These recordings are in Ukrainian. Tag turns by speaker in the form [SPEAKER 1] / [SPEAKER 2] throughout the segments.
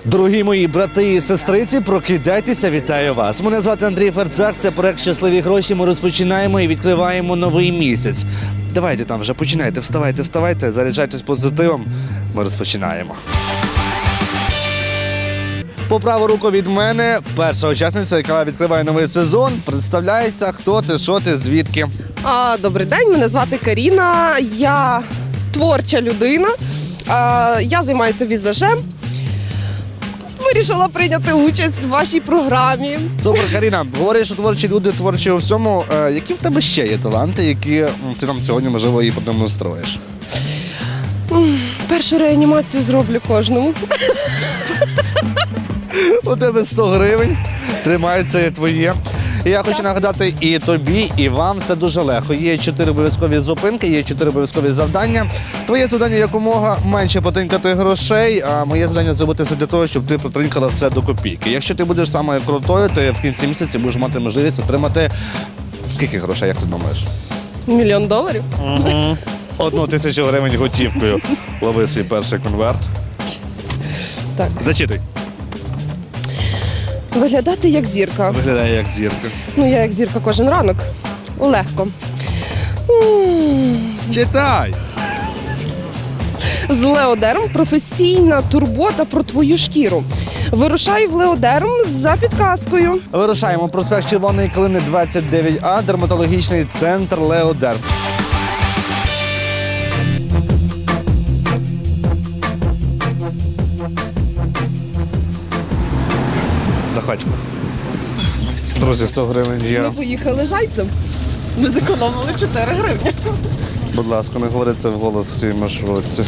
[SPEAKER 1] Дорогі мої брати і сестриці, прокидайтеся, вітаю вас. Мене звати Андрій Ферцак, це проект «Щасливі гроші». Ми розпочинаємо і відкриваємо новий місяць. Давайте там вже починайте, вставайте, заряджайтесь позитивом. Ми розпочинаємо. По праву руку від мене перша учасниця, яка відкриває новий сезон. Представляйся, хто ти, що ти, звідки.
[SPEAKER 2] Добрий день, мене звати Каріна, я творча людина, я займаюся візажем. Вирішила прийняти участь в вашій програмі.
[SPEAKER 1] Супер, Каріна, говориш, що творчі люди творчі у всьому. Які в тебе ще є таланти, які ти нам сьогодні, можливо, і продемонструєш?
[SPEAKER 2] Першу реанімацію зроблю кожному.
[SPEAKER 1] У тебе 100 гривень, тримай, це є твоє. І я хочу нагадати і тобі, і вам все дуже легко. Є 4 обов'язкові зупинки, є 4 обов'язкові завдання. Твоє завдання якомога менше потринкати грошей, а моє завдання зробити все для того, щоб ти потринкала все до копійки. Якщо ти будеш самою крутою, то в кінці місяця будеш мати можливість отримати скільки грошей, як ти думаєш?
[SPEAKER 2] $1 000 000?
[SPEAKER 1] Угу. 1000 гривень готівкою. Лови свій перший конверт.
[SPEAKER 2] Так.
[SPEAKER 1] Зачитуй.
[SPEAKER 2] Виглядати як зірка.
[SPEAKER 1] Виглядає як зірка.
[SPEAKER 2] Ну, я як зірка кожен ранок. Легко.
[SPEAKER 1] Читай!
[SPEAKER 2] З Леодерм професійна турбота про твою шкіру. Вирушаю в Леодерм за підказкою.
[SPEAKER 1] Вирушаємо. Проспект Червоної Калини, 29А, дерматологічний центр Леодерм. Заходь. Друзі, 100 гривень є.
[SPEAKER 2] Ми поїхали зайцем. Ми зекономили 4 гривні.
[SPEAKER 1] Будь ласка, не говори це вголос в цій маршрутці.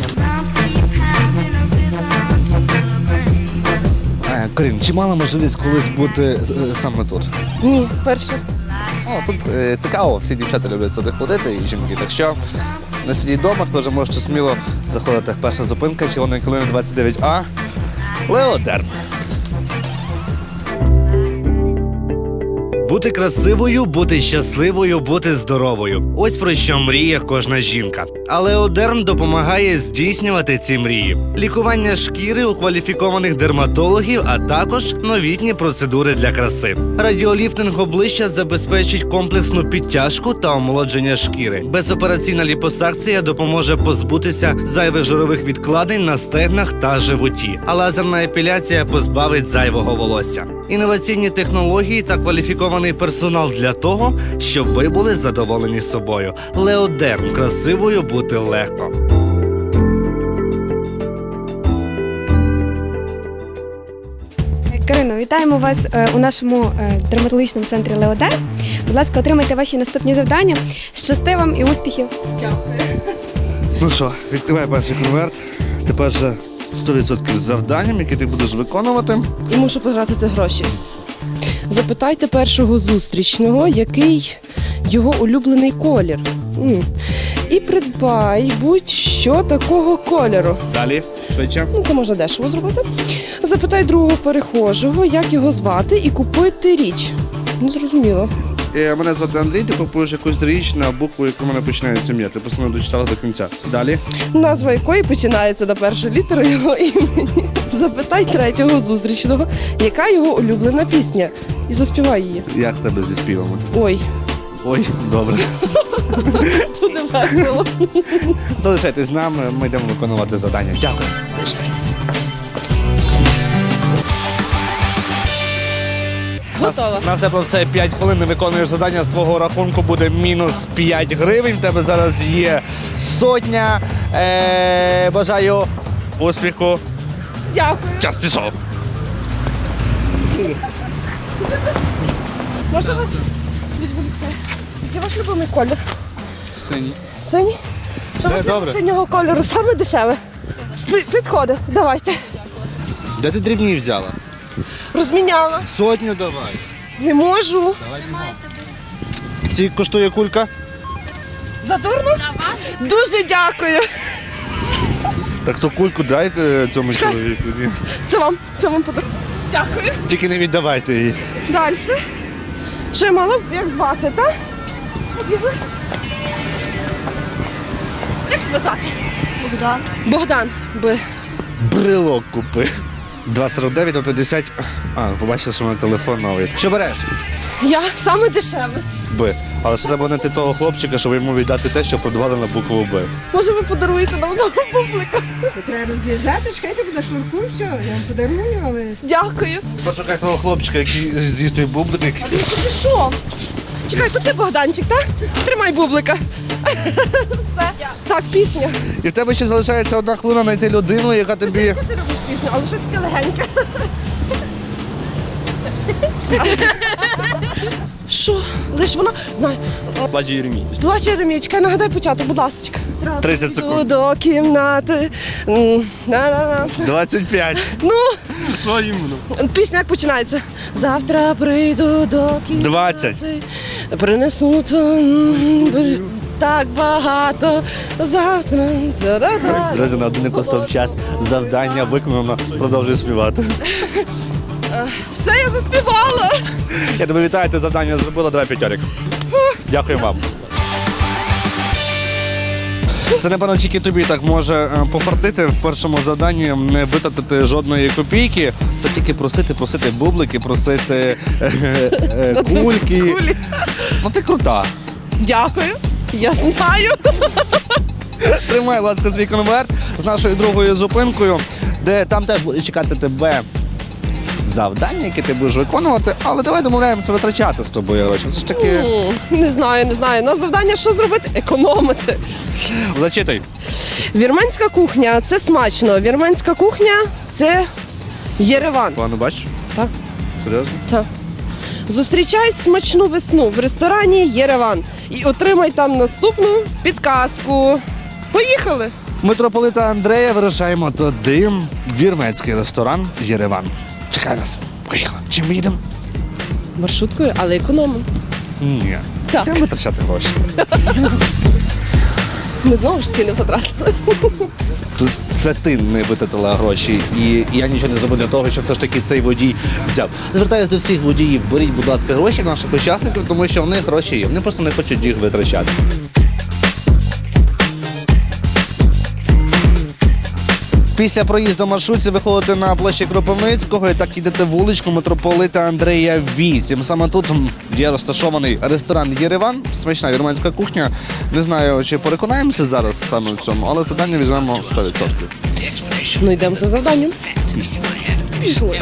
[SPEAKER 1] Карін, чи мала можливість колись бути саме тут?
[SPEAKER 2] Ні, перше.
[SPEAKER 1] Тут цікаво, всі дівчата люблять сюди ходити і жінки. Так що не сидіть вдома, тепер вже можете сміло заходити. Перша зупинка, Червоної Калини, 29А, Леодерм. Бути красивою, бути щасливою, бути здоровою. Ось про що мріє кожна жінка. А Леодерм допомагає здійснювати ці мрії. Лікування шкіри у кваліфікованих дерматологів, а також новітні процедури для краси. Радіоліфтинг обличчя забезпечить комплексну підтяжку та омолодження шкіри. Безопераційна ліпосакція допоможе позбутися зайвих жирових відкладень на стегнах та животі. А лазерна епіляція позбавить зайвого волосся. Інноваційні технології та кваліфікований персонал для того, щоб ви були задоволені собою. Леодерм. Красивою бути легко.
[SPEAKER 3] Карино, вітаємо вас у нашому дерматологічному центрі Леодерм. Будь ласка, отримайте ваші наступні завдання. Щасти вам і успіхів!
[SPEAKER 2] Дякую.
[SPEAKER 1] Ну що, відкривай перший конверт. Тепер вже 100% з завданням, які ти будеш виконувати.
[SPEAKER 2] І мушу потратити гроші. Запитайте першого зустрічного, який його улюблений колір. І придбай будь-що такого кольору.
[SPEAKER 1] Далі, швидше.
[SPEAKER 2] Це можна дешево зробити. Запитай другого перехожого, як його звати, і купити річ. Ну, зрозуміло.
[SPEAKER 1] Мене звати Андрій, ти купуєш якусь річ на букву, яку в мене починається ім'я. Ти просто не дочитала до кінця. Далі.
[SPEAKER 2] Назва якої починається на першу літеру його імені. Запитай третього зустрічного, яка його улюблена пісня. І заспівай її.
[SPEAKER 1] Як в тебе зі співами?
[SPEAKER 2] Ой,
[SPEAKER 1] Ой, добре.
[SPEAKER 2] буде весело.
[SPEAKER 1] Залишайтесь з нами, ми йдемо виконувати завдання. Дякую.
[SPEAKER 2] Готова.
[SPEAKER 1] На все про все 5 хвилин не виконуєш завдання, з твого рахунку буде мінус 5 гривень. В тебе зараз є 100. Бажаю успіху.
[SPEAKER 2] Дякую.
[SPEAKER 1] Час пішов.
[SPEAKER 2] Можна вас відволікти? Який ваш любимий колір?
[SPEAKER 4] Синій.
[SPEAKER 2] Синій? Що у вас є
[SPEAKER 1] добре.
[SPEAKER 2] синього кольору? Саме дешеве. Підходи, давайте.
[SPEAKER 1] Де ти дрібні взяла?
[SPEAKER 2] Розміняла.
[SPEAKER 1] 100 давай.
[SPEAKER 2] Не можу.
[SPEAKER 1] Скільки коштує кулька?
[SPEAKER 2] Задурно? Дуже дякую.
[SPEAKER 1] Так то кульку дайте цьому
[SPEAKER 2] Чекай.
[SPEAKER 1] чоловіку.
[SPEAKER 2] Це вам подарунок. Дякую.
[SPEAKER 1] Тільки не віддавайте її.
[SPEAKER 2] Далі. Що я мала? Як звати, так? Побігли. Як тебе звати?
[SPEAKER 3] Богдан.
[SPEAKER 2] Богдан.
[SPEAKER 1] Брелок купи. 2,49, 2,50. А, побачила, що в мене телефон новий. Що береш?
[SPEAKER 2] Я саме дешеве.
[SPEAKER 1] Б. Але що треба знайти того хлопчика, щоб йому віддати те, що продавали на букву Б.
[SPEAKER 2] Може, ви подаруєте нам нового бублика?
[SPEAKER 4] Треба розв'язати, чекайте, буде шнурку, все, я вам подарую, але...
[SPEAKER 2] Дякую.
[SPEAKER 1] Пошукай того хлопчика, який з'їсть твій бублик.
[SPEAKER 2] Він тут пішов. Чекай, тут ти Богданчик, так? Тримай бублика. Все. Так, пісня.
[SPEAKER 1] І в тебе ще залишається 1 хвилина знайти людину, яка тобі...
[SPEAKER 2] Ти робиш пісню, але щось таке легеньке. Що? Лиш вона, знаю.
[SPEAKER 5] Плаче Єремій.
[SPEAKER 2] Плаче Єремій, чекай, нагадай початок, будь ласка.
[SPEAKER 1] 30 секунд.
[SPEAKER 2] До кімнати. На-на-на.
[SPEAKER 1] 25.
[SPEAKER 2] Ну,
[SPEAKER 5] Що йому?
[SPEAKER 2] пісня як починається? Завтра прийду до кімнати.
[SPEAKER 1] 20.
[SPEAKER 2] Принесу так багато. Завтра. Да-да-да.
[SPEAKER 1] Друзі, на один коштов час. Завдання виконано. Продовжуй співати.
[SPEAKER 2] Все, я заспівала.
[SPEAKER 1] Я тебе вітаю, ти завдання зробила. Давай п'ятьорик. Дякую вам. Це, напевно, тільки тобі так може пофартити в першому завданні, не витратити жодної копійки. Це тільки просити бублики, просити кульки.
[SPEAKER 2] Кулі.
[SPEAKER 1] Ну ти крута.
[SPEAKER 2] Дякую. Я знаю.
[SPEAKER 1] Тримай, будь ласка, свій конверт з нашою другою зупинкою, де там теж буде чекати тебе завдання, які ти будеш виконувати, але давай домовляємося витрачати з тобою гроші. Це ж таки...
[SPEAKER 2] Не знаю. На завдання що зробити? Економити.
[SPEAKER 1] Зачитай.
[SPEAKER 2] Вірменська кухня це смачно. Вірменська кухня це Єреван.
[SPEAKER 1] Погано бачиш?
[SPEAKER 2] Так.
[SPEAKER 1] Серйозно?
[SPEAKER 2] Так. Зустрічай смачну весну в ресторані Єреван і отримай там наступну підказку. Поїхали!
[SPEAKER 1] Митрополита Андрея вирушаємо туди, в вірменський ресторан Єреван. Чекай нас. Поїхали. Чим ми їдемо?
[SPEAKER 2] Маршруткою, але економимо.
[SPEAKER 1] Ні.
[SPEAKER 2] Так.
[SPEAKER 1] Будемо витрачати гроші.
[SPEAKER 2] Ми знову ж таки не потратили.
[SPEAKER 1] Тут це ти не витратила гроші, і я нічого не зробив для того, щоб все ж таки цей водій взяв. Звертаюся до всіх водіїв, беріть, будь ласка, гроші наших учасників, тому що в них гроші є. Вони просто не хочуть їх витрачати. Після проїзду маршрутці виходите на площі Кропивницького і так йдете вуличку Митрополита Андрея 8. Саме тут є розташований ресторан Єреван, смачна вірменська кухня. Не знаю, чи переконаємося зараз саме в цьому, але завдання візьмемо 100%.
[SPEAKER 2] Ну йдемо за завданням. Пішли.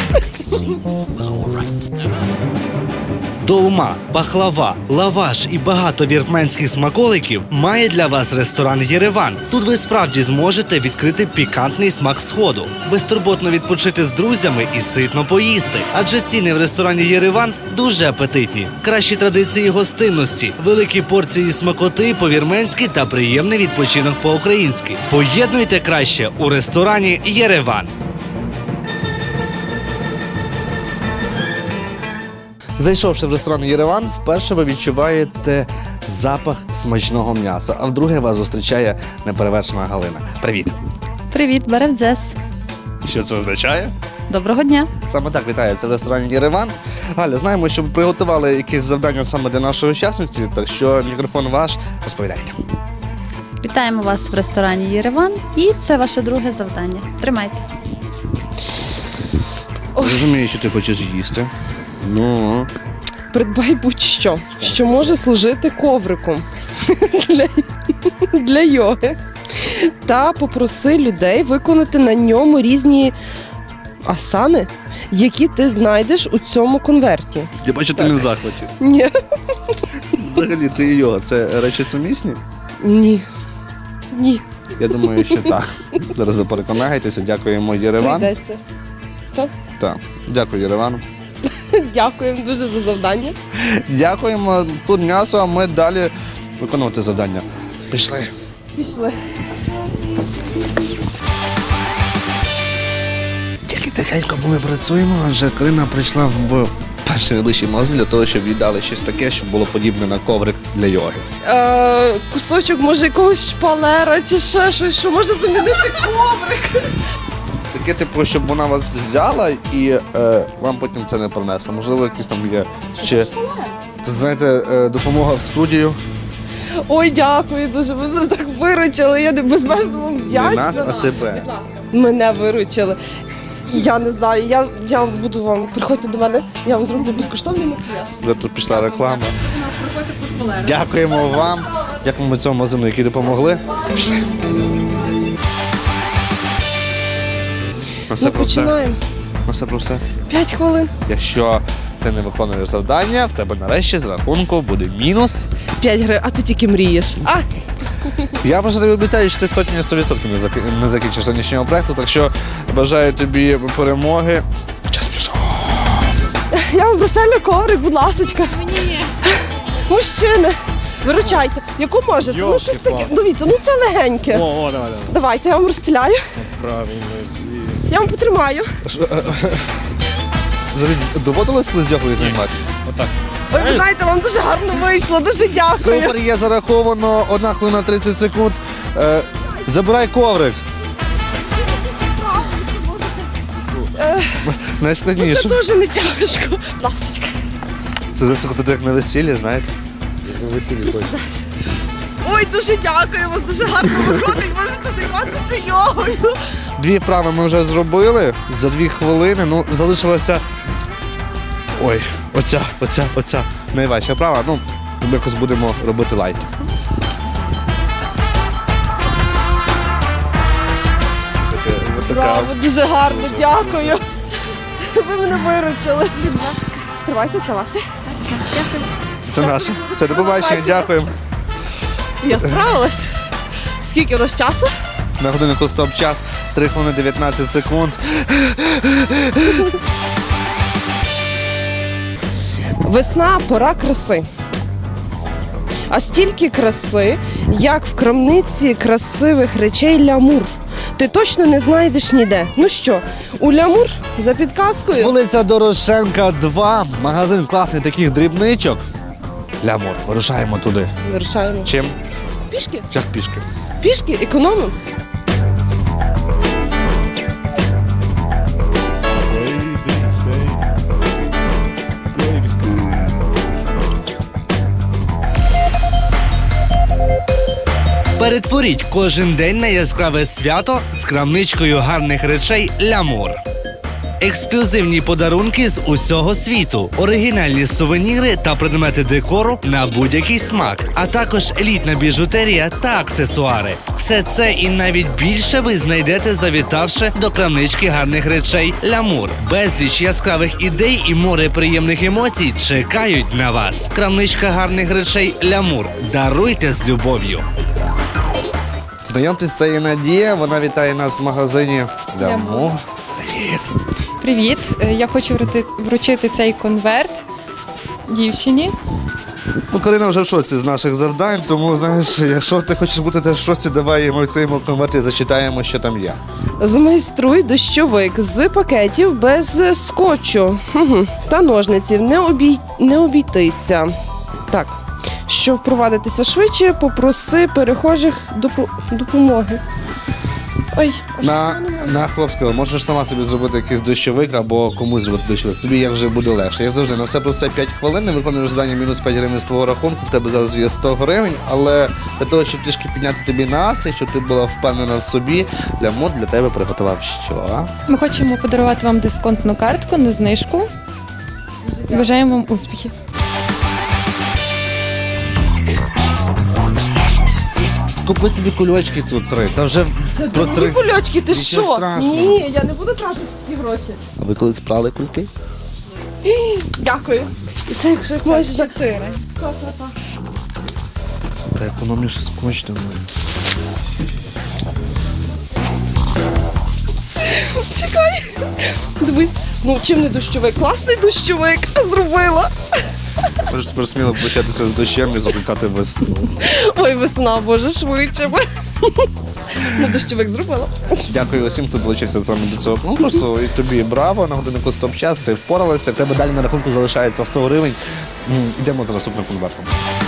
[SPEAKER 1] Долма, пахлава, лаваш і багато вірменських смаколиків має для вас ресторан Єреван. Тут ви справді зможете відкрити пікантний смак сходу, безтурботно відпочити з друзями і ситно поїсти. Адже ціни в ресторані Єреван дуже апетитні. Кращі традиції гостинності, великі порції смакоти по-вірменськи та приємний відпочинок по-українськи. Поєднуйте краще у ресторані Єреван. Зайшовши в ресторан Єреван, вперше ви відчуваєте запах смачного м'яса, а вдруге вас зустрічає неперевершена Галина. Привіт!
[SPEAKER 6] Привіт, Беревдзес.
[SPEAKER 1] Що це означає?
[SPEAKER 6] Доброго дня.
[SPEAKER 1] Саме так вітається в ресторані Єреван. Галя, знаємо, що ви приготували якесь завдання саме для нашої учасниці, так що мікрофон ваш, розповідайте.
[SPEAKER 6] Вітаємо вас в ресторані Єреван. І це ваше друге завдання. Тримайте.
[SPEAKER 1] Розумію, що ти хочеш їсти. Ну,
[SPEAKER 2] Придбай будь-що, що може служити ковриком для йоги. Та попроси людей виконати на ньому різні асани, які ти знайдеш у цьому конверті.
[SPEAKER 1] я бачу, ти не в захваті.
[SPEAKER 2] Ні.
[SPEAKER 1] Взагалі, ти і йога, це речі сумісні?
[SPEAKER 2] Ні. Ні.
[SPEAKER 1] Я думаю, що так. Зараз ви переконаєтеся. Дякуємо Єреван.
[SPEAKER 2] Прийдеться. Так.
[SPEAKER 1] Так, дякую Єревану.
[SPEAKER 2] Дякуємо дуже за завдання.
[SPEAKER 1] Дякуємо. Тут м'ясо, а ми далі виконувати завдання. Пішли.
[SPEAKER 2] Пішли.
[SPEAKER 1] Тільки тихенько, бо ми працюємо, адже Карина прийшла в перший найближчий магазин для того, щоб віддали щось таке, щоб було подібне на коврик для йоги.
[SPEAKER 2] Кусочок, може, якогось шпалера чи ще щось, що може замінити коврик.
[SPEAKER 1] Таке, типу, щоб вона вас взяла і вам потім це не принесла. Можливо, якісь там є ще, знаєте, допомога в студію.
[SPEAKER 2] Ой, дякую дуже, ви мене так виручили, я безмежно вам
[SPEAKER 1] Не
[SPEAKER 2] вдячна.
[SPEAKER 1] нас, а тебе.
[SPEAKER 2] Мене виручили. Я не знаю, я буду вам, приходьте до мене, я вам зроблю безкоштовний макіяж.
[SPEAKER 1] Вже тут пішла реклама. Дякуємо вам. Дякуємо цьому магазину, які допомогли. Пішли.
[SPEAKER 2] Ми починаємо.
[SPEAKER 1] Все про все.
[SPEAKER 2] 5 хвилин.
[SPEAKER 1] Якщо ти не виконуєш завдання, в тебе нарешті з рахунку буде мінус.
[SPEAKER 2] 5 гривень, а ти тільки мрієш.
[SPEAKER 1] Я просто тобі обіцяю, що ти сотні 100% не закінчиш сьогоднішнього проєкту, так що бажаю тобі перемоги. Час пішов.
[SPEAKER 2] Я вам простелю коврик, будь ласочка. Ні. Мужчини, виручайте. Яку можете? Ну щось таке. Дивіться, ну це легеньке.
[SPEAKER 5] Давай.
[SPEAKER 2] Давайте, я вам розстеляю.
[SPEAKER 5] Правильно.
[SPEAKER 2] Я вам потримаю.
[SPEAKER 1] Взагалі, доводилось колись йогою займатися?
[SPEAKER 5] Отак.
[SPEAKER 2] Ой, ви знаєте, вам дуже гарно вийшло, дуже дякую.
[SPEAKER 1] Супер, є зараховано 1 хвилина 30 секунд. Забирай коврик.
[SPEAKER 2] Це
[SPEAKER 1] Найскладніше.
[SPEAKER 2] дуже не тяжко. Будь ласочка.
[SPEAKER 1] Це заходити як на весіллі, знаєте? Як на весіллі ходять.
[SPEAKER 2] Ой, дуже дякую, у вас дуже гарно виходить, можете займатися йогою.
[SPEAKER 1] 2 вправи ми вже зробили за 2 хвилини. Ну, залишилося. Ой, оця. Найважча вправа. Ну, ми якось будемо робити лайт.
[SPEAKER 2] Браво, дуже гарно, дякую. Ви мене виручили. Тривайте, це ваше.
[SPEAKER 1] Це наше. Все, до побачення, дякуємо.
[SPEAKER 2] Я справилась. Скільки у нас часу?
[SPEAKER 1] На годиннику стоп-час 3 хвилини 19 секунд.
[SPEAKER 2] Весна – пора краси. А стільки краси, як в крамниці красивих речей Лямур. Ти точно не знайдеш ніде. Ну що, у Лямур за підказкою?
[SPEAKER 1] Вулиця Дорошенка, 2. Магазин класний таких дрібничок. Лямур, вирушаємо туди.
[SPEAKER 2] Вирушаємо.
[SPEAKER 1] Чим?
[SPEAKER 2] Пішки?
[SPEAKER 1] Як пішки?
[SPEAKER 2] Пішки, економимо.
[SPEAKER 1] Перетворіть кожен день на яскраве свято з крамничкою гарних речей Лямур. Ексклюзивні подарунки з усього світу, оригінальні сувеніри та предмети декору на будь-який смак, а також елітна біжутерія та аксесуари. Все це і навіть більше ви знайдете, завітавши до крамнички гарних речей Лямур. Безліч яскравих ідей і море приємних емоцій чекають на вас. Крамничка гарних речей Лямур. Даруйте з любов'ю. Знайомтесь, це є Надія, вона вітає нас в магазині Лямур. Привіт.
[SPEAKER 7] Привіт, я хочу вручити цей конверт дівчині.
[SPEAKER 1] Ну, Карина вже в шоці з наших завдань, тому, знаєш, якщо ти хочеш бути теж в шоці, давай ми відкриємо конверт і зачитаємо, що там є.
[SPEAKER 2] Змайструй дощовик з пакетів без скотчу та ножниців. Не обійтися. Так, щоб впровадитися швидше, попроси перехожих допомоги. Ой, а що це немає?
[SPEAKER 1] На хлопського, можеш сама собі зробити якийсь дощовик або комусь зробити дощовик. Тобі як вже буде легше. Як завжди, на все про все 5 хвилин, не виконуєш завдання мінус 5 гривень з твого рахунку, в тебе зараз є 100 гривень, але для того, щоб трішки підняти тобі настрій, щоб ти була впевнена в собі, Лямур для тебе приготував що?
[SPEAKER 7] Ми хочемо подарувати вам дисконтну картку на знижку. Бажаємо вам успіхів.
[SPEAKER 1] Купи собі кульочки тут 3. Та вже про 3.
[SPEAKER 2] Кульочки, ти
[SPEAKER 1] Нічого
[SPEAKER 2] що?
[SPEAKER 1] страшного.
[SPEAKER 2] Ні, я не буду тратити такі гроші.
[SPEAKER 1] А ви коли спрали кульки?
[SPEAKER 2] Дякую. І все, якщо як можеш.
[SPEAKER 7] 4.
[SPEAKER 1] Та економніше скочте мною.
[SPEAKER 2] Чекай. Дивись, ну чим не дощовик? Класний дощовик зробила.
[SPEAKER 1] Можеш тепер сміло початися з дощем і закликати весну.
[SPEAKER 2] Ой, весна, боже, швидше. Ну, дощовик зробила.
[SPEAKER 1] Дякую усім, хто долучився саме до цього конкурсу. І тобі браво, на годиннику стоп-час, ти впоралася. В тебе далі на рахунку залишається 100 гривень. Йдемо за наступним конвертом.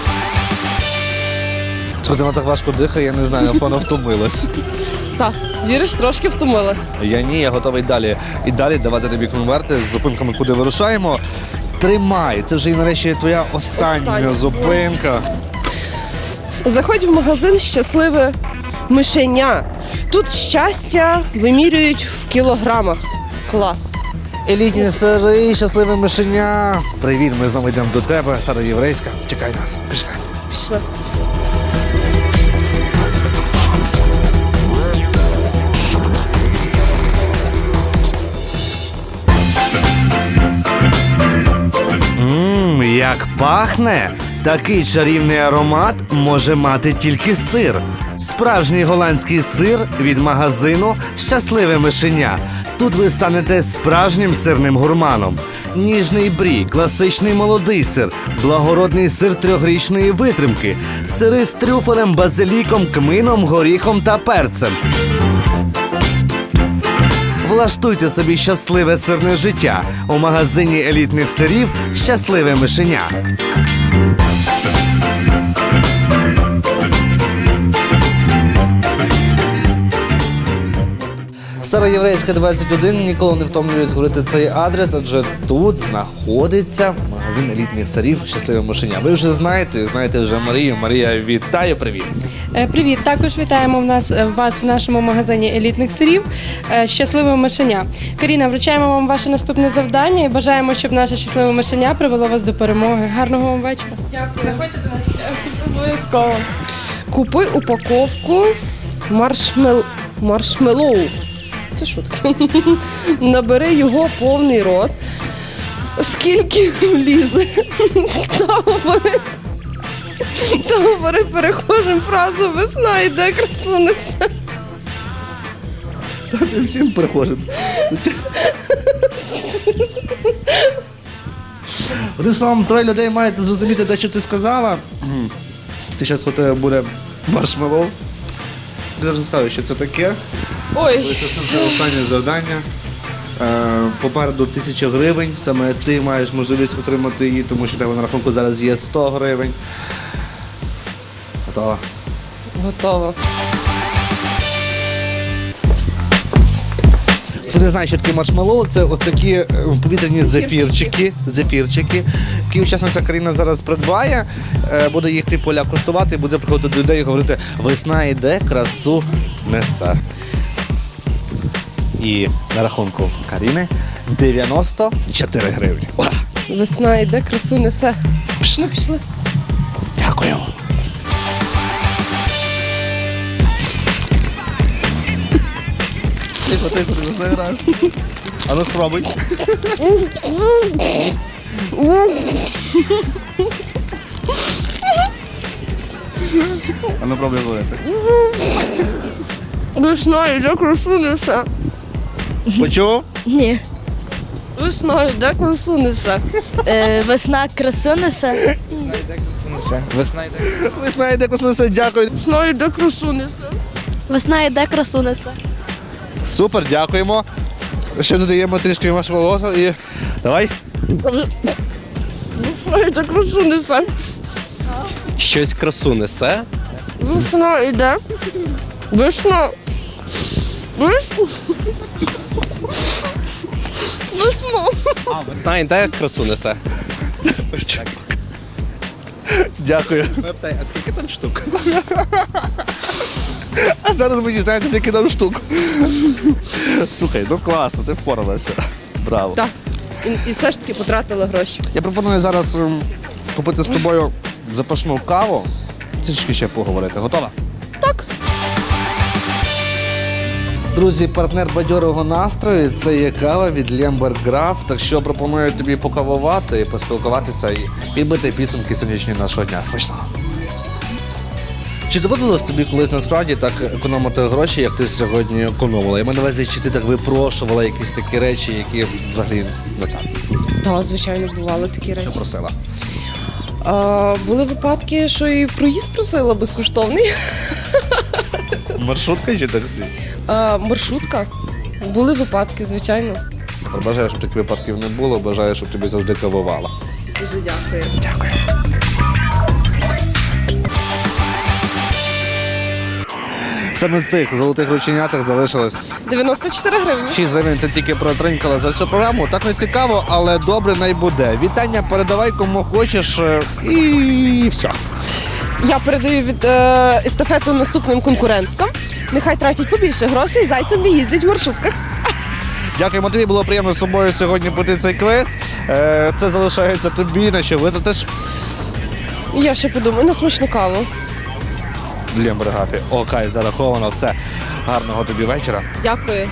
[SPEAKER 1] Слухайте, вона так важко дихає, я не знаю, напевно, втомилась.
[SPEAKER 2] Так, віриш, трошки втомилась.
[SPEAKER 1] Я ні, я готовий далі. І далі давати тобі конверти з зупинками, куди вирушаємо. Тримай, це вже і нарешті твоя остання зупинка.
[SPEAKER 2] Заходь в магазин «Щасливе мишеня». Тут щастя вимірюють в кілограмах. Клас.
[SPEAKER 1] Елітні сири, щасливе мишеня. Привіт, ми знову йдемо до тебе, староєврейська. Чекай нас. Пішли.
[SPEAKER 2] Пішли.
[SPEAKER 1] Як пахне! Такий чарівний аромат може мати тільки сир. Справжній голландський сир від магазину «Щасливе мишеня». Тут ви станете справжнім сирним гурманом. Ніжний брі, класичний молодий сир, благородний сир трьохрічної витримки, сири з трюфелем, базиліком, кмином, горіхом та перцем. Влаштуйте собі щасливе сирне життя у магазині елітних сирів «Щасливе мишеня». Староєврейська 21, ніколи не втомлююсь говорити цей адрес, адже тут знаходиться магазин елітних сирів «Щасливе мишеня». Ви вже знаєте вже Марію. Марія, вітаю, привіт!
[SPEAKER 8] Привіт! Також вітаємо вас в нашому магазині елітних сирів «Щасливе мишеня». Каріна, вручаємо вам ваше наступне завдання і бажаємо, щоб наше щасливе мишеня привело вас до перемоги. Гарного вам вечора. Дякую. Заходьте до нас ще. Обов'язково.
[SPEAKER 2] Купи упаковку маршмеллоу. Це шутка. Набери його повний рот. Скільки влізе. Та говори перехожим фразу «Весна йде, красу несе».
[SPEAKER 1] Всім перехожим. Одним словом, троє людей мають зрозуміти, де що ти сказала. Ти зараз у тебе буде маршмеллоу. Я вже скажу, що це таке.
[SPEAKER 2] Ой,
[SPEAKER 1] Це останнє завдання. Попереду 1000 гривень. Саме ти маєш можливість отримати її, тому що в тебе на рахунку зараз є 100 гривень. Готова?
[SPEAKER 2] готово.
[SPEAKER 1] Хто не знає, що таке маршмеллоу, це ось такі повітряні зефірчики, які учасниця Каріна зараз придбає, буде їх поля коштувати, буде приходити до людей і говорити «Весна йде, красу несе». І на рахунку Каріни 94 гривні. Ура!
[SPEAKER 2] Весна йде, красу несе. Пішли.
[SPEAKER 1] Дякую. Тихо, ти не граєш. А ну спробуй. А ну пробуй говорити.
[SPEAKER 2] Весна йде, красу несе.
[SPEAKER 1] Почув?
[SPEAKER 9] Ні.
[SPEAKER 2] Весна йде, красу несе.
[SPEAKER 9] Весна красу несе.
[SPEAKER 1] Весна йде, красу несе, дякую.
[SPEAKER 2] Весна йде, красу несе.
[SPEAKER 9] Весна йде, красу несе.
[SPEAKER 1] Супер, дякуємо. Ще додаємо трішки маршмеллоу і давай.
[SPEAKER 2] Весна йде, красу несе.
[SPEAKER 5] Щось красу несе.
[SPEAKER 2] Весна йде. Весна.
[SPEAKER 5] Весна йде, красу несе.
[SPEAKER 1] Дякую.
[SPEAKER 5] Питай, а скільки там штук?
[SPEAKER 1] А зараз ви дізнаєтеся, який там штук. Слухай, ну класно, ти впоралася. Браво.
[SPEAKER 2] Так. І все ж таки потратила гроші.
[SPEAKER 1] Я пропоную зараз купити з тобою запашну каву. Трішки ще поговорити. Готова?
[SPEAKER 2] Так.
[SPEAKER 1] Друзі, партнер бадьорого настрою – це є кава від Лемберг-Граф. Так що пропоную тобі покавувати, поспілкуватися і підбити підсумки сьогоднішнього нашого дня. Смачного! Чи доводилось тобі колись насправді так економити гроші, як ти сьогодні економила? Я маю на увазі, чи ти так випрошувала якісь такі речі, які взагалі не так?
[SPEAKER 2] Так, звичайно, бували такі речі.
[SPEAKER 1] Що просила?
[SPEAKER 2] Були випадки, що і в проїзд просила безкоштовний.
[SPEAKER 1] Маршрутка чи таксі?
[SPEAKER 2] Маршрутка. Були випадки, звичайно.
[SPEAKER 1] Бажаю, щоб таких випадків не було, бажаю, щоб тобі завжди кавувало.
[SPEAKER 2] Дуже дякую.
[SPEAKER 1] Дякую. Саме в цих золотих рученятах залишилось
[SPEAKER 2] 94 гривні.
[SPEAKER 1] 6 гривень. Ти тільки протринькала за всю програму. Так не цікаво, але добре най буде. Вітання передавай кому хочеш і все.
[SPEAKER 2] Я передаю від естафету наступним конкуренткам. Нехай тратять побільше грошей, зайцем не їздять в маршрутках.
[SPEAKER 1] Дякуємо тобі, було приємно з собою сьогодні пройти цей квест. Це залишається тобі, на що витратиш
[SPEAKER 2] Я ще подумаю на смачну каву.
[SPEAKER 1] для бригафі. Окей, зараховано, все. Гарного тобі вечора.
[SPEAKER 2] Дякую.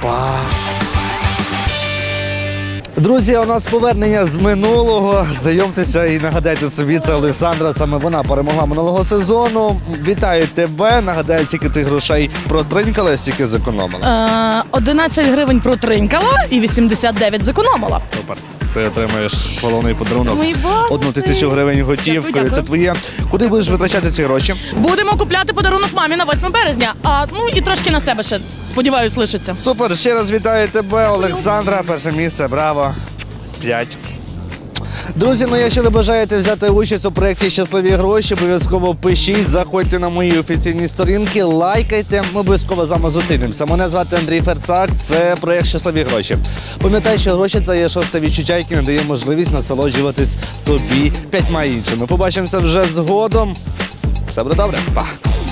[SPEAKER 1] Друзі, у нас повернення з минулого. Знайомтеся і нагадайте собі, це Олександра. Саме вона перемогла минулого сезону. Вітаю тебе. Нагадай, скільки ти грошей протринькала, скільки зекономила.
[SPEAKER 10] 11 гривень протринькала і 89 зекономила.
[SPEAKER 1] Супер. Ти отримаєш головний подарунок.
[SPEAKER 10] Це мої бонуси.
[SPEAKER 1] 1000 гривень готівкою.
[SPEAKER 10] Дякую.
[SPEAKER 1] Це твоє. Куди будеш витрачати ці гроші?
[SPEAKER 10] Будемо купляти подарунок мамі на 8 березня, і трошки на себе ще, сподіваюсь, лишиться.
[SPEAKER 1] Супер. Ще раз вітаю тебе, Олександра. Перше місце. Браво. 5. Друзі, якщо ви бажаєте взяти участь у проєкті «Щасливі гроші», обов'язково пишіть, заходьте на мої офіційні сторінки, лайкайте, ми обов'язково з вами зустрінемося. Мене звати Андрій Ферцак, це проєкт «Щасливі гроші». Пам'ятай, що гроші – це є шосте відчуття, яке надає можливість насолоджуватись тобі 5 іншими. Побачимося вже згодом. Все буде добре. Па!